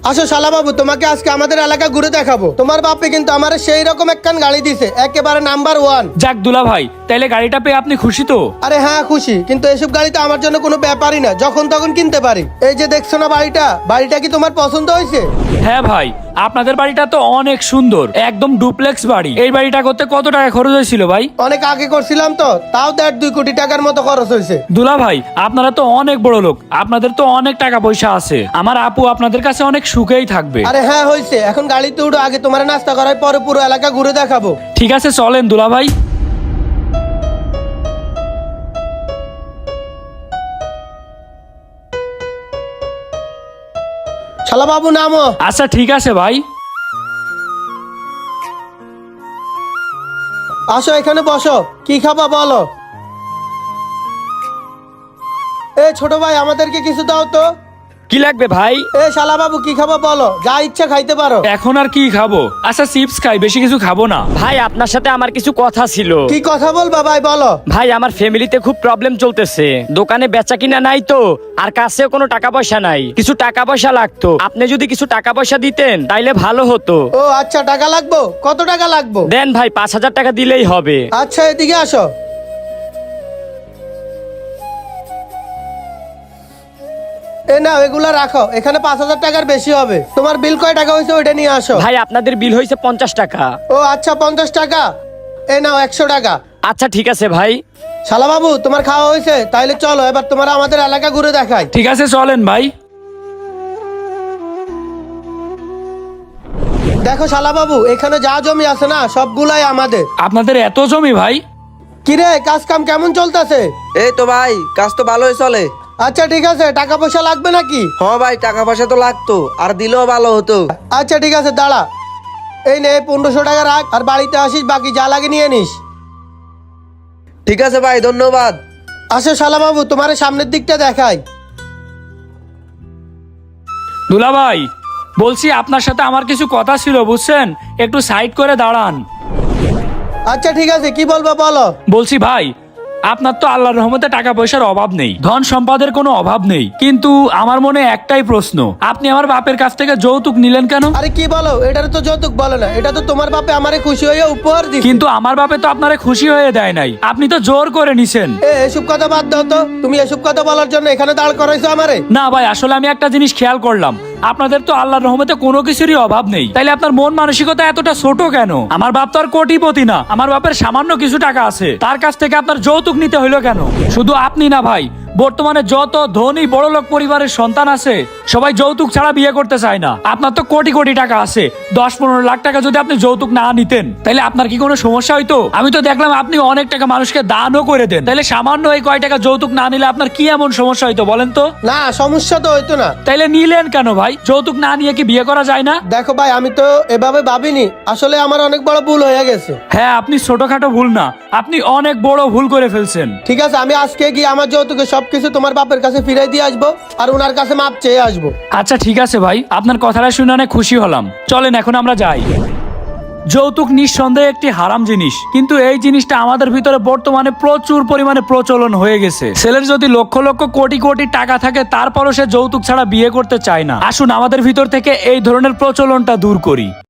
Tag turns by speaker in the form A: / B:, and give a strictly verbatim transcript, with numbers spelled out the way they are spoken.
A: আসো শালা বাবু, তোমাকে আজকে আমাদের এলাকা ঘুরে দেখাবো। তোমার বাপে কিন্তু আমার সেই রকম একখান গাড়ি দিছে, একেবারে নাম্বার ওয়ান।
B: যাক দুলা ভাই, তাইলে গাড়িটা পেয়ে আপনি খুশি তো?
A: আরে হ্যাঁ খুশি, কিন্তু এসব গাড়ি তো আমার জন্য কোনো ব্যাপারই না, যখন তখন কিনতে পারি। এই যে দেখছো না বাড়িটা, বাড়িটা কি তোমার পছন্দ হয়েছে?
B: হ্যাঁ ভাই, আপনাদের বাড়িটা তো অনেক সুন্দর, একদম ডুপ্লেক্স বাড়ি। এই বাড়িটা করতে কত টাকা খরচ হয়েছিল ভাই?
A: অনেক আগে করছিলাম তো, তাও দেড় দুই কোটি টাকার মতো খরচ হয়েছে।
B: দুলা ভাই, আপনারা তো অনেক বড় লোক, আপনাদের তো অনেক টাকা পয়সা আছে। আমার আপু আপনাদের কাছে অনেক সুখেই থাকবে।
A: আরে হ্যাঁ হয়েছে, এখন গাড়িতে উঠো, আগে তোমার নাস্তা করার পরে পুরো এলাকা ঘুরে দেখাবো।
B: ঠিক আছে চলেন দুলা ভাই।
A: শালা বাবু নামো।
B: আচ্ছা ঠিক আছে ভাই।
A: আসো এখানে বসো, কি খাবা বলো। এ ছোট ভাই, আমাদেরকে কিছু দাও তো।
C: কি লাগবে ভাই?
A: এ শালা বাবু, কি খাবা বলো, যা ইচ্ছা খাইতে পারো।
B: এখন আর কি খাবো? আচ্ছা চিপস খাই, বেশি কিছু খাবো না।
C: ভাই আপনার সাথে আমার কিছু কথা ছিল।
A: কি কথা বলবা ভাই, বলো।
C: ভাই আমার ফ্যামিলিতে খুব প্রবলেম চলতেছে, দোকানে বেচা কিনা নাই তো, আর কাছেও কোনো টাকা পয়সা নাই, কিছু টাকা পয়সা লাগতো। আপনি যদি কিছু টাকা পয়সা দিতেন তাইলে ভালো হতো।
A: ও আচ্ছা, টাকা লাগবো? কত টাকা লাগবো?
C: দেন ভাই, পাঁচ হাজার টাকা দিলেই হবে।
A: আচ্ছা এদিকে আসো। এ নাও, এগুলা রাখো, এখানে পাঁচ হাজার টাকার বেশি হবে। তোমার বিল কয় টাকা হয়েছে ওইটা নিয়ে আসো।
C: ভাই আপনাদের বিল হয়েছে পঞ্চাশ টাকা।
A: ও আচ্ছা, পঞ্চাশ টাকা। এ নাও একশো টাকা।
C: আচ্ছা ঠিক আছে ভাই।
A: শালা বাবু, তোমার খাওয়া হয়েছে? তাইলে চলো এবার তোমার আমাদের এলাকা ঘুরে দেখাই।
B: ঠিক আছে চলেন ভাই।
A: দেখো শালা বাবু, এখানে যা জমি আছে না, সবগুলাই আমাদের।
B: আপনাদের এত জমি ভাই?
A: কিরে, কাজ কাম কেমন চলতেছে?
D: এই তো ভাই, কাজ তো ভালোই চলে।
A: আচ্ছা ঠিক আছে, টাকা পয়সা লাগবে নাকি?
D: হ্যাঁ ভাই, টাকা পয়সা তো লাগতো, আর দিলেও ভালো হতো।
A: আচ্ছা ঠিক আছে, দাঁড়া। এই নে পনেরোশো টাকা রাখ, আর বাড়িতে আসিস, বাকি যা লাগে নিয়ে নিস।
D: ঠিক আছে ভাই, ধন্যবাদ।
A: আসো শালা বাবু, তোমার সামনের দিকটা দেখাই।
B: দুলা ভাই, বলছি আপনার সাথে আমার কিছু কথা ছিল বুঝছেন, একটু সাইড করে দাঁড়ান।
A: আচ্ছা ঠিক আছে, কি বলবো বলো।
B: বলছি ভাই, আপনার তো আল্লাহর রহমতে টাকা পয়সার অভাব নেই, ধন সম্পদের কোনো অভাব নেই, কিন্তু আমার মনে একটাই প্রশ্ন, আপনি আমার বাপের কাছ থেকে যৌতুক নিলেন কেন?
A: আরে কি বলো, এটা তো যৌতুক বলে না, এটা তো তোমার বাপে আমারে খুশি হয়ে উপহার দিছে।
B: কিন্তু আমার বাপে তো আপনারে খুশি হয়ে দেয় নাই, আপনি তো জোর করে নিছেন।
A: এ এসব কথা বাদ দাও তো, তুমি এসব কথা বলার জন্য এখানে দাঁড় করাইছো আমারে?
B: না ভাই, আসলে আমি একটা জিনিস খেয়াল করলাম, আপনাদের তো আল্লাহর রহমতে কোনো কিছুরই অভাব নেই, তাইলে আপনার মন মানসিকতা এতটা ছোট কেন? আমার বাপ তো আর কোটিপতি না, আমার বাপের সামান্য কিছু টাকা আছে, তার কাছ থেকে আপনার যৌতুক নিতে হইলো কেন? শুধু আপনি না ভাই, বর্তমানে যত ধনী বড়লোক পরিবারের সন্তান আছে সবাই যৌতুক ছাড়া বিয়ে করতে চায় না। আপনার তো কোটি কোটি টাকা আছে, দশ পনেরো লাখ টাকা যদি আপনি যৌতুক না নিতেন তাহলে আপনার কি কোনো সমস্যা হইতো? আমি তো দেখলাম আপনি অনেক টাকা মানুষকে দানও করে দেন, তাহলে সামান্য এই কয় টাকা যৌতুক না নিলে আপনার কি এমন সমস্যা হইতো বলেন তো?
A: না, সমস্যা তো হইতো না।
B: তাইলে নিলেন কেন ভাই? যৌতুক না নিয়ে কি বিয়ে করা যায় না?
A: দেখো ভাই, আমি তো এভাবে ভাবিনি, আসলে আমার অনেক বড় ভুল হয়ে গেছে।
B: হ্যাঁ, আপনি ছোটখাটো ভুল না, আপনি অনেক বড় ভুল করে ফেলছেন।
A: ঠিক আছে, আমি আজকে গিয়ে আমার যৌতুকে সবকিছু তোমার বাপের কাছে ফিরাই দিয়ে আসবো, আর ওনার কাছে মাপ চেয়ে আসবো।
B: আচ্ছা ঠিক আছে ভাই, আপনার কথাটা শুনে অনেক খুশি হলাম, চলেন এখন আমরা যাই। যৌতুক নিঃসন্দেহে একটি হারাম জিনিস, কিন্তু এই জিনিসটা আমাদের ভিতরে বর্তমানে প্রচুর পরিমাণে প্রচলন হয়ে গেছে। ছেলের যদি লক্ষ লক্ষ কোটি কোটি টাকা থাকে তারপরও সে যৌতুক ছাড়া বিয়ে করতে চায় না। আসুন আমাদের ভিতর থেকে এই ধরনের প্রচলনটা দূর করি।